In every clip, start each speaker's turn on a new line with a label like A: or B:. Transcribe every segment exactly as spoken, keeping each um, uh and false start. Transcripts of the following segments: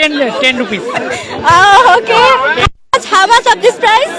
A: ten ten rupees.
B: Oh, okay. How much of this price?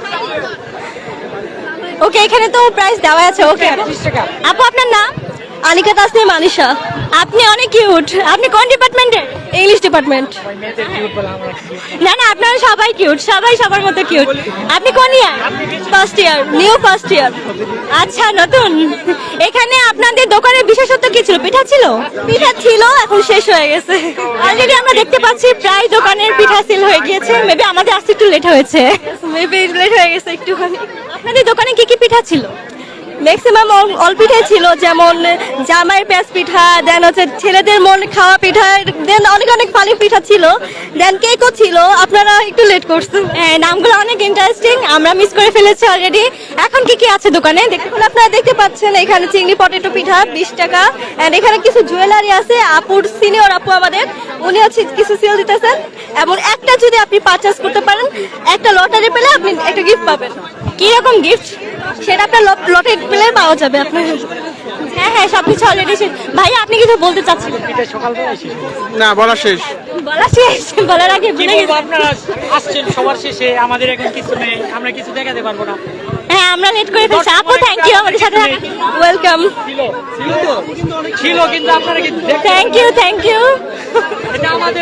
B: ওকে এখানে তো price দেওয়া আছে ওকে আপু আপনার নাম
C: আনিকা তাসনিম আনিশা
B: আপনি অনেক কিউট আপনি কোন ডিপার্টমেন্টে
C: ইংলিশ ডিপার্টমেন্ট
B: না না আপনারা সবাই কিউট সবাই সবার মতো কিউট আপনি কোন year
C: first year new first year
B: আচ্ছা নতুন এখানে আপনাদের দোকানের বিশেষত্ব কি ছিল পিঠা ছিল
C: পিঠা ছিল এখন শেষ হয়ে গেছে
B: অলরেডি আমরা দেখতে পাচ্ছি প্রায় দোকানের পিঠা সেল হয়ে গিয়েছে মেবি আমাদের আসতে একটু লেট হয়েছে
C: মেবি লেট হয়ে গেছে একটুখানি
B: আপনাদের দোকানে কি কি পিঠা ছিল
C: ম্যাক্সিমাম অল পিঠাই ছিল যেমন জামাইয়ের পেঁয়াজ পিঠা দেন হচ্ছে ছেলেদের মন খাওয়া পিঠা দেন অনেক অনেক ফালি পিঠা ছিল দেন কেকও ছিল আপনারা একটু লেট করছেন
B: হ্যাঁ নামগুলো অনেক ইন্টারেস্টিং আমরা মিস করে ফেলেছি অলরেডি এখন কি কি আছে দোকানে
C: এখন আপনারা দেখতে পাচ্ছেন এখানে চিংড়ি পটেটো পিঠা বিশ টাকা এন্ড এখানে কিছু জুয়েলারি আছে আপুর সিনিয়র আপু আমাদের উনি হচ্ছে কিছু সেল দিতেছেন এবং একটা যদি আপনি পারচেজ করতে পারেন একটা লটারি পেলে আপনি একটা গিফট পাবেন
B: কি রকম গিফট
C: সেটা আপনার লটারি পেলে পাওয়া যাবে আপনার
B: হ্যাঁ হ্যাঁ সবকিছু অলরেডি শেষ ভাই আপনি কিছু বলতে চাচ্ছিলেন
D: না বলা শেষ
B: বলা শেষ বলার আগে
A: কি বলবো আপনারা আসছেন সবার শেষে আমাদের এখন কিছু নেই আমরা কিছু দেখাতে পারবো না
B: হ্যাঁ আমরা লেট করে ফেলছি আপু থ্যাংক ইউ আমাদের সাথে
C: ওয়েলকাম
A: ছিল ছিল তো ছিল কিন্তু আপনারা কি
B: থ্যাংক ইউ থ্যাংক ইউ
A: এটা আমাদের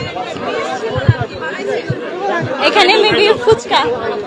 B: এখানে মেবি ফুচকা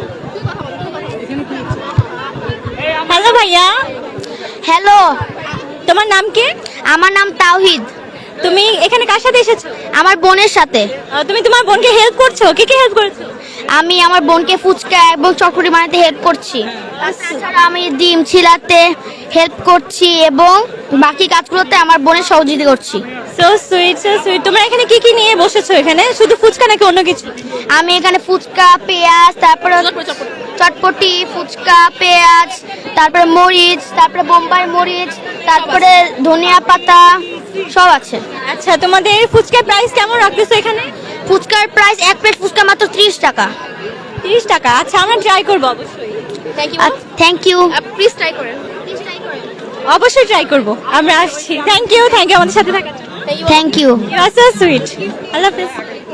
B: হ্যালো ভাইয়া
E: হ্যালো
B: তোমার নাম কি
E: আমার নাম তাওহিদ
B: তুমি এখানে কার সাথে এসেছো
E: আমার বোনের সাথে
B: আহ, তুমি তোমার বোনকে হেল্প করছো কি কি হেল্প করছো
E: আমি আমার বোনকে ফুচকা এবং চটপটি বানাতে হেল্প করছি তাছাড়া আমি ডিম ছিলাতে হেল্প করছি এবং বাকি কাজগুলোতে আমার বোনের সহযোগিতা করছি
B: সো সুইট সো সুইট তোমরা এখানে কি কি নিয়ে বসেছো এখানে শুধু ফুচকা নাকি অন্য কিছু
E: আমি এখানে ফুচকা পেঁয়াজ তারপরে চটপটি ফুচকা পেঁয়াজ তারপরে মরিচ তারপরে বোম্বাই মরিচ তারপরে ধনিয়া পাতা সব আছে
B: আচ্ছা তোমাদের ফুচকার প্রাইস কেমন রাখতেছো এখানে
E: ফুচকার প্রাইস এক প্লেট ফুচকা মাত্র ত্রিশ টাকা
B: তিরিশ টাকা আচ্ছা আমরা ট্রাই করবো অবশ্যই
E: থ্যাংক ইউ
C: প্লিজ ট্রাই করেন
B: অবশ্যই ট্রাই করবো আমরা আসছি থ্যাংক ইউ থ্যাংক ইউ আমাদের সাথে থাকার
E: থ্যাংক ইউ
B: ইউ আর সো সুইট আল্লাহ হাফেজ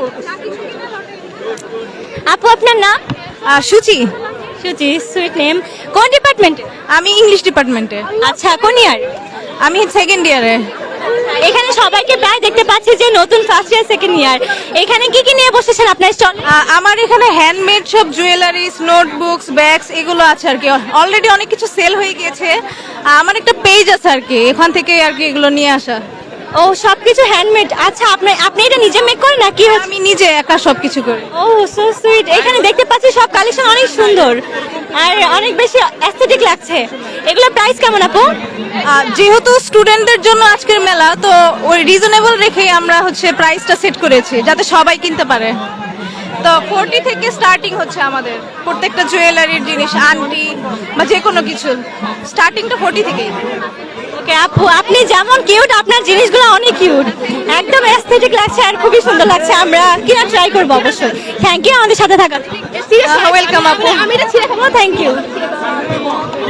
B: আপু আপনার নাম
C: সুচি
B: সুচি সুইট নেম কোন ডিপার্টমেন্ট
C: আমি ইংলিশ ডিপার্টমেন্টে
B: আচ্ছা কোন ইয়ার
C: আমি সেকেন্ড ইয়ারে
B: এখানে সবাইকে প্রায় দেখতে পাচ্ছি যে নতুন ফার্স্ট ইয়ার সেকেন্ড ইয়ার এখানে কি কি নিয়ে বসেছেন আপনার স্টল
C: আমার এখানে হ্যান্ডমেড সব জুয়েলারিস নোটবুকস ব্যাগস এগুলো আছে আর কি অলরেডি অনেক কিছু সেল হয়ে গিয়েছে আমার একটা পেজ আছে আর কি এখান থেকে আর কি এগুলো নিয়ে আসা
B: ও সবকিছু হ্যান্ডমেড আচ্ছা আপনি আপনি এটা নিজে মেক করেন নাকি
C: আমি নিজে একা সবকিছু করি
B: ও সো সুইট এখানে দেখতে পাচ্ছি সব কালেকশন অনেক সুন্দর আর অনেক বেশি অ্যাস্থেটিক লাগছে এগুলোর প্রাইস কেমন আপু
C: আহ, যেহেতু স্টুডেন্টদের জন্য আজকের মেলা তো ওই রিজনেবল রেখেই আমরা হচ্ছে প্রাইসটা সেট করেছি যাতে সবাই কিনতে পারে তো ফোরটি থেকে স্টার্টিং হচ্ছে আমাদের প্রত্যেকটা জুয়েলারির জিনিস আংটি বা যে কোনো কিছু স্টার্টিংটা ফোরটি থেকেই
B: ওকে আপু আপনি যেমন কিউট আপনার জিনিসগুলো অনেক কিউট একদম অ্যাস্থেটিক লাগছে আর খুবই সুন্দর লাগছে আমরা কিনা ট্রাই করবো অবশ্যই থ্যাংক ইউ আমাদের সাথে থাকার
C: ওয়েলকাম আপু
B: আমি এটা ছিঁড়ে খাবো থ্যাংক ইউ